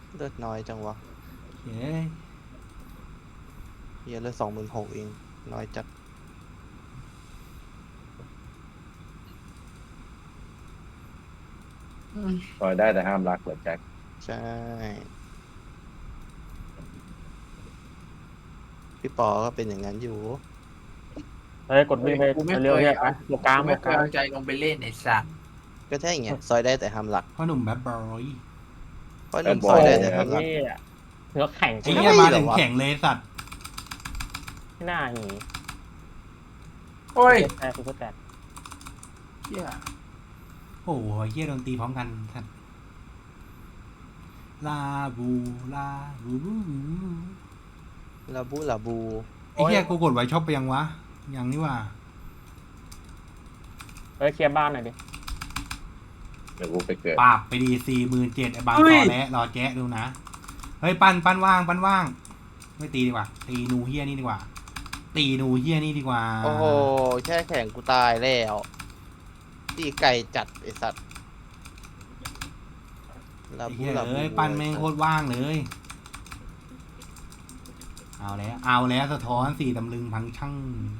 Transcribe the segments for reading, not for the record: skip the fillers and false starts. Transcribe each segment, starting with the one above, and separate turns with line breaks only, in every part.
เลือดน้อยจังวะ
เฮ้ย
เฮียเลือด26,000เองน้อยจัด
ซอยได้แต่ห้ามรักเหรอแจ็ค
ใช่พี่ปอก็เป็นอย่างนั้นอยู่
เฮ้ยกดวิ่งไปเร็วๆเนี่ยไปหมวกกลางหม
ไม่
วก
เค
ก
ย
ลาง
เอาใจลงไปเล่นไอ้สัตว์
ก็ใช่ไงซอยได้แต่ห้ามหลัก
พ่อหนุ่มแบดบอย
เพราะหนุ่มซอยได้แต่ห้ามหลัก
นี่เนื้อแข็ง
ไอ้
ที่
เหี้ย
ไม่
มา
เหร
ถึ
อง วะ
แข่งเลยสัตว์
หน้าหี
โอ้ย
แต่คือแต่
เหี้ย
โอ้โหเหี้ยโดนตีพร้อมกันสัตว์ลาบูลาบูบูบู
ลาบูลาบู
ไอ้เหี้ยกูกดไว้ช็อปไปยังวะยังนี่ว่า
เฮ้ยเคลียร์บ้านหน่อยดิ
เดี๋ยวกูไปเกิด
ปราบไปดี47,000ไอ้บางตอแล้วรอแจ๊ะดูนะเฮ้ยปั้นว่างไม่ตีดีกว่าตีนูเฮียนี่ดีกว่าตีนูเฮียนี่ดีกว่า
โอ้โหแค่แข่งกูตายแล้วตีไก่จัดไอสัตว์ลา
ไอ้
บู
เหี้ย
ลาบู
เอ้ยปั้นแม่งโคตรว่างเลยเอาแล้วสะท้อนสี่ตำลึงพังช่าง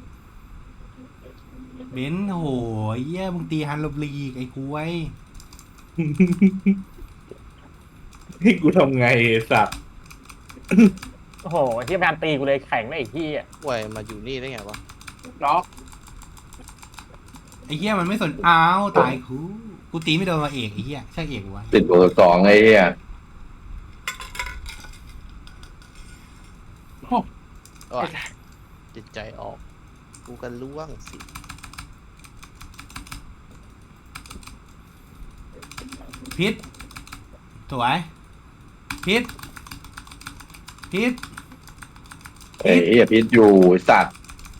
เบนซ์โหยเหี้ยมึงตีฮันลบลีกไอ้กล้วย
ให้กูทำไงไอ้สัตว์
โอ้โหที่พยายามตีกูเลยแข็งเลยไอ้ที่อ่ะ
ป่วยมาอยู่นี่ได้ไงวะ
ล็อก
ไอ้เหี้ยมันไม่สนอ้าวตายกูตีไม่โดนมาเอกไอ้เหี้ยใช่เอกวะ
ติดเบอร์สองไอ้เหี้ย
โอ้ยจิตใจออก กูกันล่วงสิ
พิษสวยพิษ
ไอ้เหี้ยพิษอยู่ไอ้สัตว์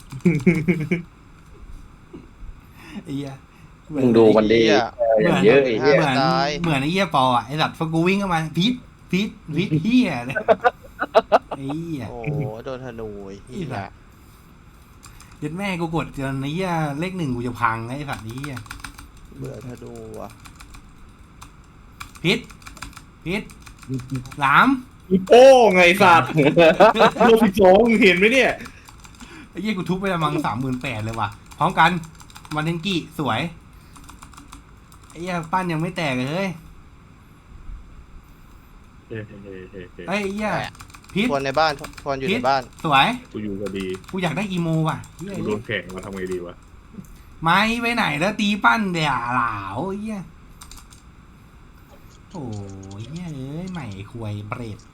ไอ้เหี้ย
มึงดูมันดี
เหี้ย
อย่างเยอะไอ้เหี้ย
เหมือน
ตาย
เหมือนไอ้เหี้ยปออ่ะไอ้สัตว์พอกูวิ่งเข้ามาพิษเหี้ยเลยไอ้เหี้ย
โอ้โหโดนธนูไอ้เหี้ย
ยัดแม่กูกดจนไอ้เหี้ยเลข1กูจะพังไอ้สัตว์นี้เหี้ย
เบื่อธนูว่ะ
พิษหลาม
อีโป้ไงสัตว์โลพิโซงเห็นไหมเนี่ย
ไอ้เหี้ยกูทุบไปละมัง38,000เลยว่ะพร้อมกันวันเทนกี้สวยไอ้เหี้ยปั้นยังไม่แตกเลยเฮ้ยไอ้เหี้ยพิษ
ทวนในบ้านทวนอยู่ในบ้าน
สวย
กูอยู่พอดี
กูอยากได้อีโมว่ะเหี้ย
กูโดนแข่งมาทำไงดีวะ
ไม้ไปไหนแล้วตีปั้นเดี๋ยวหลาวไอ้เหี้ยโอ้ยเหี้ยเอ้ยใหม่ควยเบรด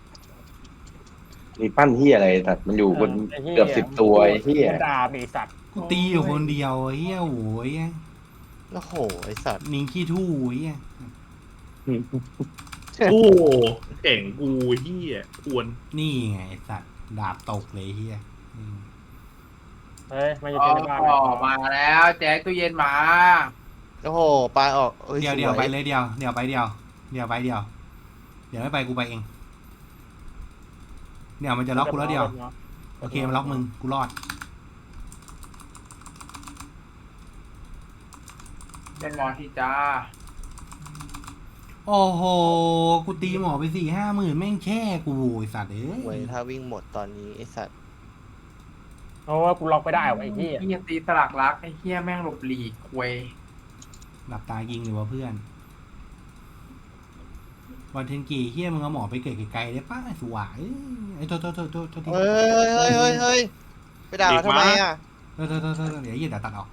มีปั้นเหี้ยอะไรสัตว์มันอยู่บนเกือบ10 ตัวไอ้เหี้ย
ดาบไอ้สัตว์
กูตีอยู่คนเดียวไอ้เหี้ยโอ้ย
โอ้โห ไอสัตว์
นิงขี้ทู่ไอ้เหี้ย
โอ้แข่งกูเฮียควร
นี่ไงไอ้สัตว์ดาบตกเลยไอ้เหี้ยอืม
เฮ้ยมาอยู่
อ๋
ที่บ้าน
อมาแล้วแจ็คตู้เย็นมา
โอ้โหปลายออกอ้
เดี๋ยว
ส
ไปเลยเดี๋ยวไปเดี๋ยวไม่ไปกูไปเองเดี๋ยวมันจะล็อกกูแล้วเดี๋ยวโอเคมันล็อกมึงกูรอด
เป็นหมอที่จ้า
โอ้โหกูตีหมอไป4-5 หมื่นแม่งแช่กูไอ้สัตว์เอ้
เว้ย
ย
ถ้าวิ่งหมดตอนนี้ไอสัตว์
เพราะว่ากูล็อกไม่ได้ว่ะไอ้ที่
เฮียตีสลักรักไอ้เฮียแม่งหลบหลีกควย
หลับตายิงหรือว่าเพื่อนวันเทนกีเฮียมึงเอาหมอไปเกิดไกลๆได้ป้าสวายไอ้โทษที
เฮ้ยไปด่าเขาทำไมอ่ะ
โทษเดี๋ยวเดี๋ยวตัดออก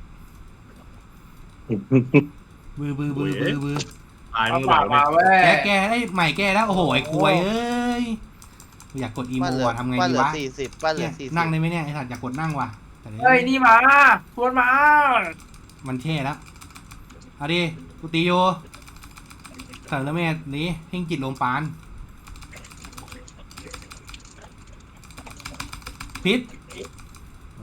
บือ
ตาย
เอา
มึง
ปา
เปล่าก เนี่
มาย เว้ย
แกได้ใหม่แกแล้วโอ้โหไอ้ควยเอ้ยกูอยากกดอีโม
บ้านเหลือ
อะทำไง
บ้าน
ดี
เหลือ
วะ
40บ้านเหลื
เนี่
อย 40
นั่งได้ไหมเนี่ยไอ้สัตว์อยากกดนั่งว่ะแต่
เฮ้ยนี่มาชวนมา
มันแช่แล้วเอาดิกูตีอยู่เสริมแล้วแม่นี้เพ่งจิตลมปานพิษไหว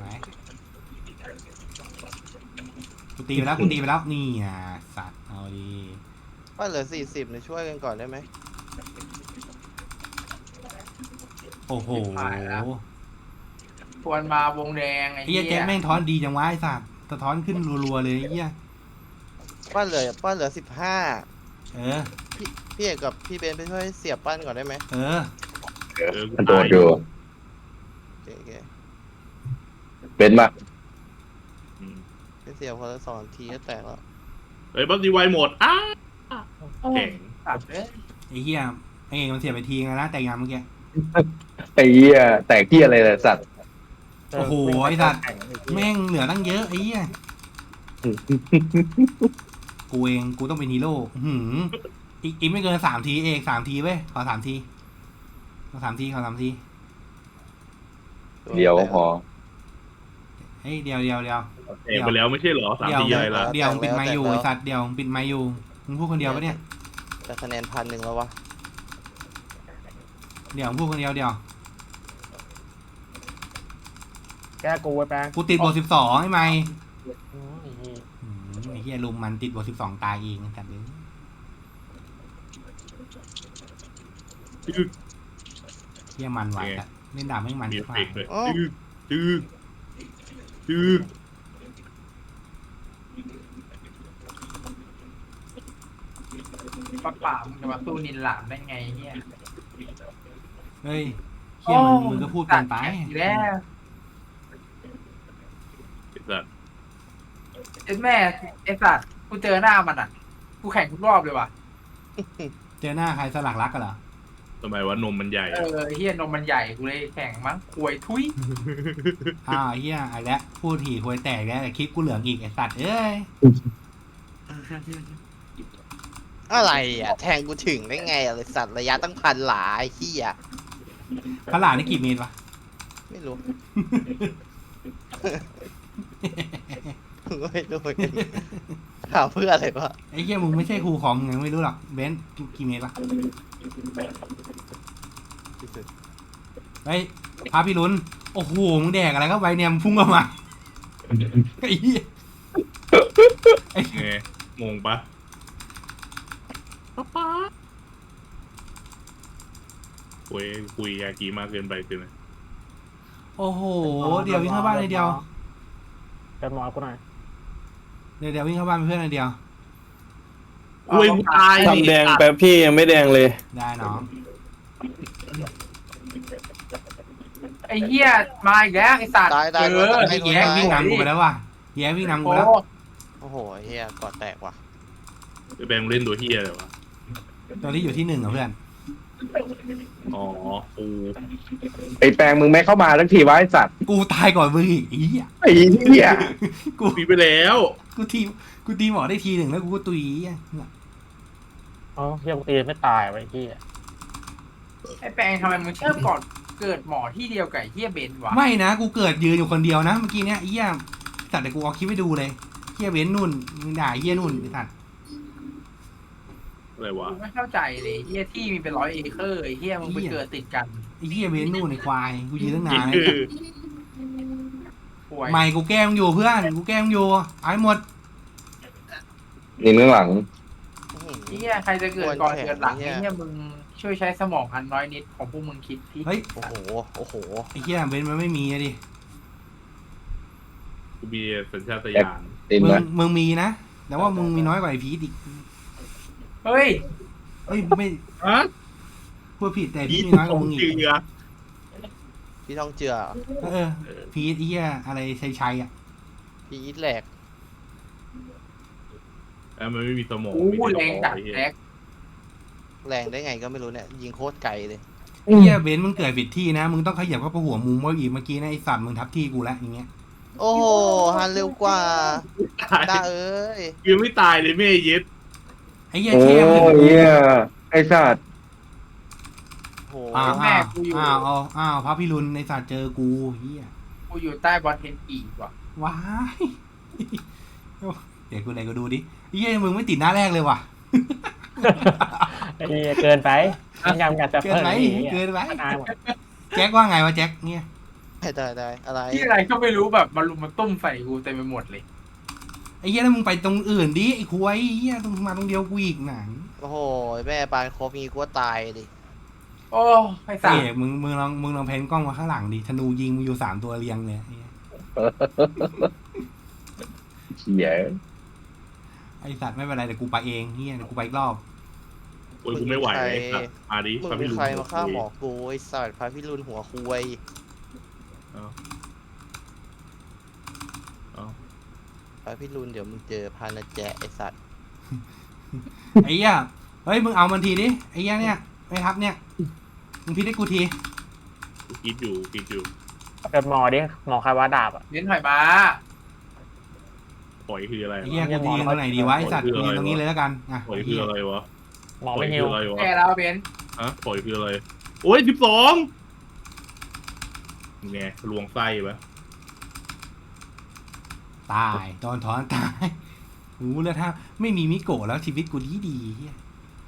กูตีไปแล้วนี่อ่ะสัตว์เอาดี
บ้านเหลือ40เนี่ยช่วยกันก่อนได้ไหม
โอ้โห
ชวนมาวงแดงไอ้
ไอ้เหี้
เฮี
ยแจ็ค
ย
แม่งท้อนดีจังวะไอ้สัตว์สะท้อนขึ้นรัวๆเลยไอ้เหี้ย
บ้านเหลือ15
เออ
พี่เอกกับพี่เบนไปช่วยเสียบปั้นก่อนได้ไหม
เออ
มันโดนอยู่
โอเคโอเค
เป็นปะ
อืม
ไปเสียบคนละ2 ทีก็แตกแล้ว
เฮ้ยบัฟดีไวหมดแข่ง
ตัดเอ้ย
ไอ้เหี้ยไอ้เองมันเสียไปทีนะแต่งงานเมื่อกี้
ไอ้เหี้ยแตกที่อะไรเลยสัตว์
โอ้โหไอ้สัตว์ แม่งเหลือตั้งเยอะไอ้เหี้ยกูเองกูต้องเป็นฮีโร่อีกไม่เกิน3 ทีเอก3 ทีเว้ยขอ3 ทีขอ3 ทีขอ3 ที
เดี๋ยวพอ
เฮ้ยเดี๋ยว
แข่งไปแล้วไม่ใช่เหรอ3 ทีอะไรล่ะ
เดี๋ยวปิดไมค์อยู่ไอ้สัตว์เดี๋ยวปิดไมค์อยู่มึงพูดคนเดียวปะเนี่ย
แต่คะแนน1,000แล้ววะ
เดี๋ยวมึงพูดคนเดียวเดี๋ยว
แก้กูไว้แปง
กูติดบท12ไอ้ไมค์
อืม
ไอ้เหี้ยลุมมันติดบท12ตายเองแต่เดี๋ยวเหี้ยมันไหวอะเล่นดาบไม่มัน
มี
ดี
เอก
ว่า
ฟเกต์เลยจื้อ
ป่ามึงจะมาสู้นินหลามได้ไงเนี่ย
เฮ้ยเหี้ยมึงก็พูดเกินไป
ตัดแข่งอีกแล้ว
ไอ้สัตว์
ไอ้แม่ไอ้สัตว์กูเจอหน้ามันอ่ะกูแข่งทุกรอบเลยว่ะ
เจอหน้าใครสลักรักกันเหรอ
ทำไมวะนมมันใหญ่
เออไอ้เฮียนมมันใหญ่กูเลยแข่งมั้งควยทุย
อ้าวไอ้เหี้ยไอ้แล้วพูดถี่ควยแตกแล้วแต่คลิปกูเหลืองอีกไอ้สัตว์เอ้ย
อะไรอ่ะแทงกูถึงได้ไงอะไรสัตว์ระยะตั้ง1,000 หลาไอ้เหี้ย
พระหลานนี่กี่เมตรวะ
ไม่รู้ ไม่รู้เหมือนกันถามเพื่ออะไรวะ
ไอ้เหี้ยมึงไม่ใช่ครูของมึงไม่รู้หรอกเบนซ์กี่เมตรวะเฮ้ยพาพี่ลุ้นโอ้โหมึงแดกอะไรเข้าไปเนี่ยมึงพุ่งออกมาไอ้เหี้ย
ไงงงปะคุยยากีมากเกินไปคือไหม
โอ้โหเดี๋ยววิ่งเข้าบ้านเลยเดียว
เป็นหมอกูหน่อย
เดี๋ยววิ่งเข้าบ้านเป็นเพื่อนเลยเดียว
คุยตาย
ทำแดงแป๊บพี่ยังไม่แดงเลย
ได้น้อง
ไอ้เฮียมาอีกแล้วไอ้สัตว์
ได้
เออ
ไอ้แย่วิ่งนำกูไปแล้วว่ะแย่วิ่งนำกู
โอ้
แล้ว
โอ้โหไอ้เหี้ยกอดแตกว่ะ
ไอ้แบงค์เล่นตัวเฮียเลยวะ
ตัวที่อยู่ที่1เหรอเพื่อน
อ๋อกู
ไอ้แปลงมึงไม่เข้ามาทั้งทีวะไอ้สัตว์
กูตายก่อนมึงอีกไอ้เหี้ย
ไอ้เหี้ย
กู
ปีไปแล้ว
กูตีหมอได้ที 1แล้วกูก็ตุยอ่ะ
อ๋อเฮียกูตีไม่ตายไว้ที่
ไอ้แปลงทำไมมึงเชื่อก่อนเกิดหมอที่เดียวกับไอ้เฮียเบนซ์วะ
ไม่นะกูเกิดยืนอยู่คนเดียวนะเมื่อกี้เนี้ยไอ้เหี้ยสัตว์แต่กูเอาคลิปให้ดูเลยเหี้ยเว้นนู่นมึงด่าเหี้ยนู่นไอ้สัตว์
อะไรวะ
กูไม่เข้าใจเลยเฮียที่มีเป็น100 เอเคอร์ไอ้เฮียมึงไปเกิดติดกัน
ไอ้เหี้ยเว้นนู่นไอ้ควายกูยืนตั้งนาน
คือ
ป่วย
ไม่กูแกล้งอยู่เพื่อนกูแกล้งอยู่เอาให้หมด
นี่ข้างหลัง
เฮียใครจะเกิดก่อนเกิดหลังไอ้เฮียมึงช่วยใช้สมองอันน้อยนิดของพวกมึงคิดที่
เฮ้ย
โอ้โหโอ้โห
ไอ้เหี้ยเว้นมันไม่มีอะดิ
กูมีสัญชาตญาณ
ติน
มึง
นะ
มึงมีนะแต่ว่ามึงมีน้อยกว่าไอ้พีทอีก
เฮ้ย
เฮ้ยไม่
ฮะ
พูดผิดแต่
พี
พี่
ท
มีน้อยก
ขอ
ว่าง มึงอีก
เจือ
พี่ต้องเจือ
พีทไอ้เหี้ยอะไรชัยอ่ะ
พี่อีทแหลก
มันไม่มีสมอง
อู้แรงจัด
ไอ้เหี้ย
แท็ก
แรงได้ไงก็ไม่รู้เนี่ยยิงโคตรไกลเลย
ไอ้เหี้ยเบนซ์มึงเกิดผิดที่นะมึงต้องขยับเข้าไปหัวมุมว่าอีกเมื่อกี้นะไอ้สัตว์มึงทับที่กูแล้วอย่างเงี้ย
โอ้โหฮันเร็วกว่า
ตาย
ตาเอ้ย
ยังไม่ตายเลยแม่เย็ด
ไอ้เหี้ย
โอ้
เชี่ยมึง
ยเหี้ยไอ้สัตว์
โอ้โห
อ้าวอ้าวพระพิรุณในสัตว์เจอกูเหี้ย
กูอยู่ใต้บอลเทนอีกว่ะ
ว้ายเดี๋ยวกูไหนก็ดูดิไอ้เหี้ยมึงไม่ติดหน้าแรกเลยว่ะ
ไอ้เหี้ยเกินไปยังอยากจะ
เกิน
เพิ่ม
ไป
อีก
เกินไป
ตายหมด
แจ็คว่าไงวะแจ็คเนี่ย
ได้อะไร
ที่อะไรก็ไม่รู้แบบมาลุมมาตุ้มใส่กูเต็มไปหมดเลย
ไอ้เหี้ยแล้วมึงไปตรงอื่นดิไอ้ควายไอ้เหี้ยตรงมาตรงเดียวกูอีกหนัง
โอ้โหแม่ปานครบงี้กูว่าตายดิ
โอ้ไอ้สัต
เอ๋
ว์
มึงลองแพนกล้องมาข้างหลังดิธนูยิงมึงอยู่3 ตัวเรียงเลยไอ้เหี้ย
เหี้ย
ไอ้สัตว์ไม่เป็นไรเดี๋ยวกูไปเองเหี้ยเดี๋ยวกูไปอีกรอบ
โอ้ยกูไม่ไหวไอ้สัตว์มาดิ
มึง
พา
เป็
พี่
น
ลุง
ใครมาฆ่าหมอกูไอ้สัตว์พาพี่รุนหัวคุย
เอาเอา
พาพี่รุนเดี๋ยวมึงเจอพานาแจะไอ้สัตว์
ไอ้เหี้ยเฮ้ยมึงเอามันทีดิไอ้เหี้ยเนี่ยไม่ทับเนี่ยมึงพิดให้กูที
กูคิดอยู่
เกิดหมอดิหมอใครว่าดาบอ่ะ
เน้นถอยมา
ปล่อยคืออะไร
ไอ้
วะ
เหี้ยกูทีตรงไหนดีวะไอ้สัตว์กูยืนตรงนี้เลยแล้วกันอ่ะ
ปล่อย
ไอ้
คือ
เหี้ย
อะไรวะ
หมอ
ปล่อ
ไม่
ย
ฮิ
คื
ว
ออะไรวะ
แกแล้วเบน
ฮะปล่อยคืออะไรโอ้ย12ไงลวงไส้ปะ
ตายโดนถอนตายโอ้แล้วถ้าไม่มีมิโกะแล้วชีวิตกูดีเหี้ย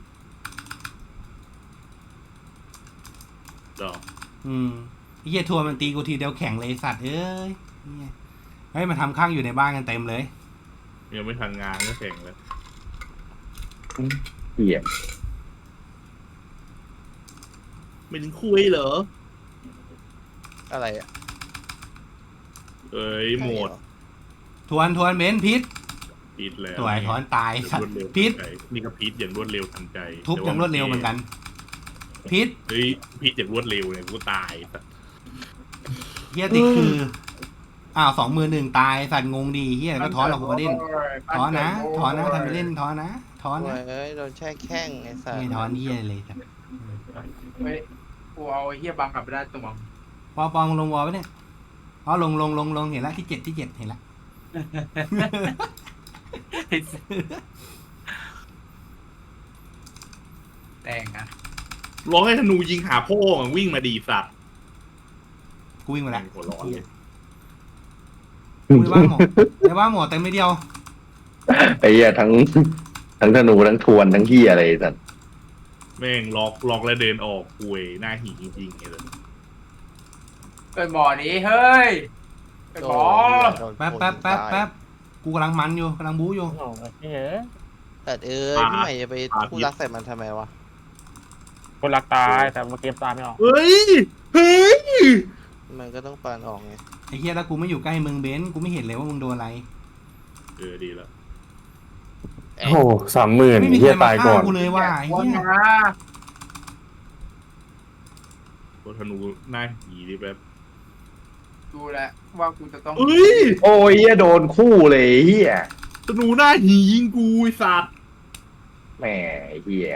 ดอก
ไอ้เหี้ยทัวร์มันตีกูทีเดียวแข่งเลยสัตว์เอ้ยเหี้ยเฮ้ยมาทำข้างอยู่ในบ้านกันเต็มเลย
ยังไม่ทันงานก็แข่งเลย
เหี้ย
ไม่ถึงคุยเหรอ
อะไรอ่ะ
เอ้ยหมด
ทวนเบนพิษ
พีดแล้ว
ตัวไอ้ถอนตาย
อย่าง
สัต
รว
ว์
ดเร็ว
พิษ
ทันใจนี่ก็พีดอย่างรวดเร็วทันใจ
ทุบอย่างรวดเร็วเหมือนกันพิษ
เฮ้ยพีดอย่างรวดเร็วเนี่ยกูตายสัตว์
เหี้ยติดคืออ้าว2-1ตายสัตว์งงดีเหี้ยก็ถอนหรอกกูมาเล่นถอนนะทำไปเล่นถอนนะถอน
โอ้
นะ
ยเอ้ยโดนแช่แข้งไอ้สัตว์
ไม่ถอนเหี้ยเลยสัตว์
เฮ้ยกูเอาไอ้เฮียบังกลับไปได้ตัวมึง
ปอมึงลงวอลไปเนี่ยอ๋อลงเห็นแล้วที่7เห็นแล้ว
แต่งอะ
ร้องให้ธนูยิงหาพ่อมันวิ่งมาดีสัตว์
กูวิ่งมาแล้ว
หัวร้อนเลย
กูในบ้านหมอในบ้านหมอเต็มไม่เดียว
ไอ้เหี้ยทั้งธนูทั้งทวนทั้งเหี้ยอะไรสัตว์
แม่งล็อกแล้วเดินออกคุยหน้าหีจริงๆเลย
เกิดหมอนี้เฮ้ยเกิดหมอ
โดน
แป๊บกูกำลังมันอยู่กำลังบู๊อยู่
โอ้ยเฮ้ย
แต่พี่ใหม่จะไปพูดรักใส่มันทำไมวะ
คนรักตายแต่เมื่อกี้ตายไม่ออก
เฮ้ย
มันก็ต้องปานออกไง
ไอ้เหี้ยแล้วกูไม่อยู่ใกล้มึงเบนซ์กูไม่เห็นเลยว่ามึงโดนอะไร
ดีแล้ว
โอ้โห30,000
ไม่มีใค
เฮี
ร
ย
มา
ตาย
ฆ่า
ก่อน
กูเลยว่ะไอ้
วน
เหี้ย
มา
ตัวธนูหน้าหีดิแบบ
ดูแลวว่ากูจะต้อง
เฮ้ย
โอ้ยเหี้ยโดนคู่เลยเหี้ย
ธนูหน้าหียิงกูไอ้สัตว์
แหมเหี้ย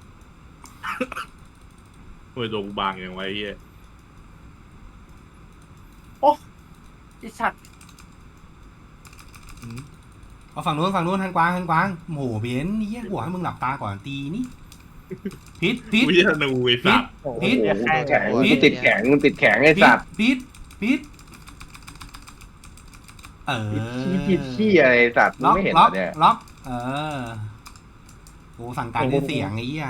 เฮ้ยตัวกูบางอย่างไว้เฮีย
ไอ้สัตว์
เอาฝั่งนู้นทางกวางโหเบนซ์เหี้ยกูให้มึงหลับตาก่อนตีนี่พิษ
วิธนูไอ้สัตว์
โอ้โห
พิษ
เหี้ยแค่
แข็งกูติดแข็งไอ้สัตว์
พิษเออ
ขี้เหี้ยไอ้สัตว์มึง
ล็อก
ไม่เห็น
ล็
เหร
อก
อเนี่ย
ล็อกเออกูสั่งการด้วยเสียงไอ้เหี้ย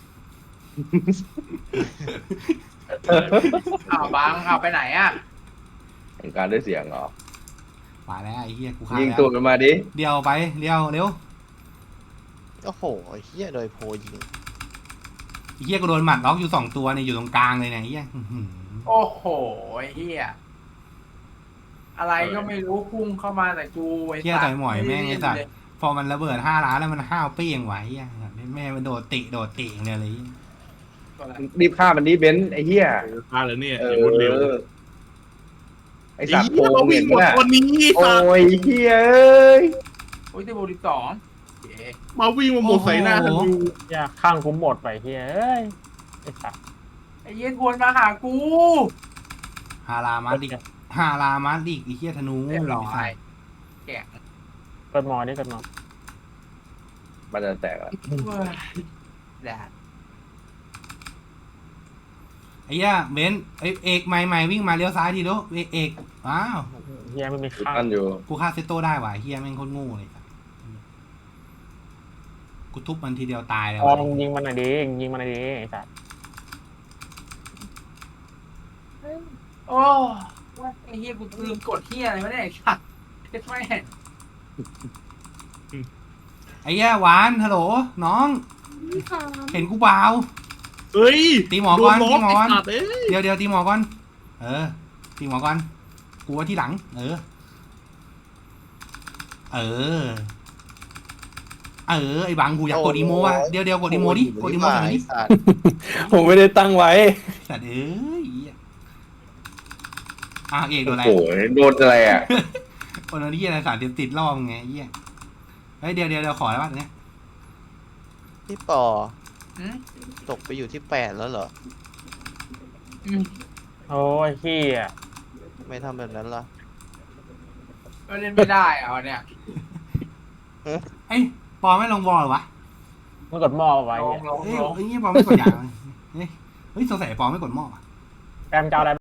อ้าวบังเอาไปไหนอะ
เห็นการด้วยเสียงเหรอ
มาแล้วไอ้เหี้ยกูฆ่า
ยิง
แล้ว
ตัวมันมาดิ
เดียวไปเร็ว
โอ้โหเฮียโดยโพยิง
ไอ้เหี้ยกูโดนหมัดล็อกอยู่2ตัวเนี่ยอยู่ตรงกลางเลยเนี่ยไอ้เหี้ยอื้อหือ
โอ้โหไอ้เฮียอะไรก็ไม่รู้พุ่งเข้ามาแต่กูไอ้
เหี้ย
สัต
ต่อย
ว์
หมอยแม่งไอ้สัตว์พอมันระเบิด5 ล้านแล้วมันห้าวเปี้ยงไหวไอ้เหี้ยแม่มันโดดติอย่างเดียวเลย
รีบฆ่ามันนี้เบนซ์ไอ้เหี้ย
ฆ่าแล้วเนี่ย
เอ
อย่างรวดเร็ว
อไอ้สัตว์โก
เรา
ง
วิ่
เห็
ง
น
หมด
ไหม
วันนี้
โอ้
สัตว์
ยเหี้ยเอ้ย
โอ้ยที่โบ12โอเค
มาวิ่งมาหมดใส่หน้าธนู
เหี้ยข้างคุ้มหมดไปเฮ้ยเอ้ยไอ้สัตว์
ไอ้เหี้ย็นวนมาหากู
ฮารามาดิกไอ้เหี้ยธนู
เรียบร้อ
ไอ้สั
ย
ตว์
แกะ
เกิดหมอนี่เกิดหมอ
มันจะแตกอ่ะ
เว้ยแดด
ไอ้เหี้ยเบนซ์ไอ้เอกใหม่วิ่งมาเลี้ยวซ้ายทีเดียวเอกว้าว
เฮียไม่มีข้าง
นั่นอยู่
กูฆ่าเซตโต้ได้ว่ะเหี้ยแม่งโคตรโง่เลยสัตว์กูทุบมันทีเดียวตายเลย
อ๋อ
ว่ะ
มึงยิงมันหน่อยดิยิงมันหน่อยดิไอ้สัตว์
โอ้ว่าไอ้เหี้ยกูลืมกดเหี้ยอะไรวะเนี่ยไอ้สัตว์เจ็ดแม่ง
ไอ้เหี้ยหวานฮัลโหลน้อง เห็นกูเปล่า
เฮ้ย
ตีหมอก่อน
โด
ตีหมอก่อน
ไสัตว์เอ้ย
เดี๋ยวตีหมอก่อนตีหมอก่อนกูว่าที่หลัง เออไอ้บังกูอยากกดอีโมว่ะเดี๋ยวกดอีโมดิกดอีโมหน่อยดิ
สัตว์
ผมไม่ได้ตั้งไว้
สัตว์เอ้ยเอกโดนอะไร
โอ้โหโดนอะไรอ่ะ
โดนที่อะไรสารติดรอบไงเหี้ยเฮ้ยเดี๋ยวขอแล้วป่ะเนี่ย
พี่ปอ
อืม
ตกไปอยู่ที่8แล้วเหรอ
โอ้ยเฮีย
ไม่ทำแบบนั้นล่ะ
ก็เล่นไม่ได้เอาเนี่ย
ไอ้ปอไม่ลงบอลหรอวะ
มึงกดหม้อไว้
ล
เหี้ย
ง
เฮ้ยปอไม่กดอย่างเฮ้ยสงสัยปอไม่กดหม้อ
แกมจะเอาอะไร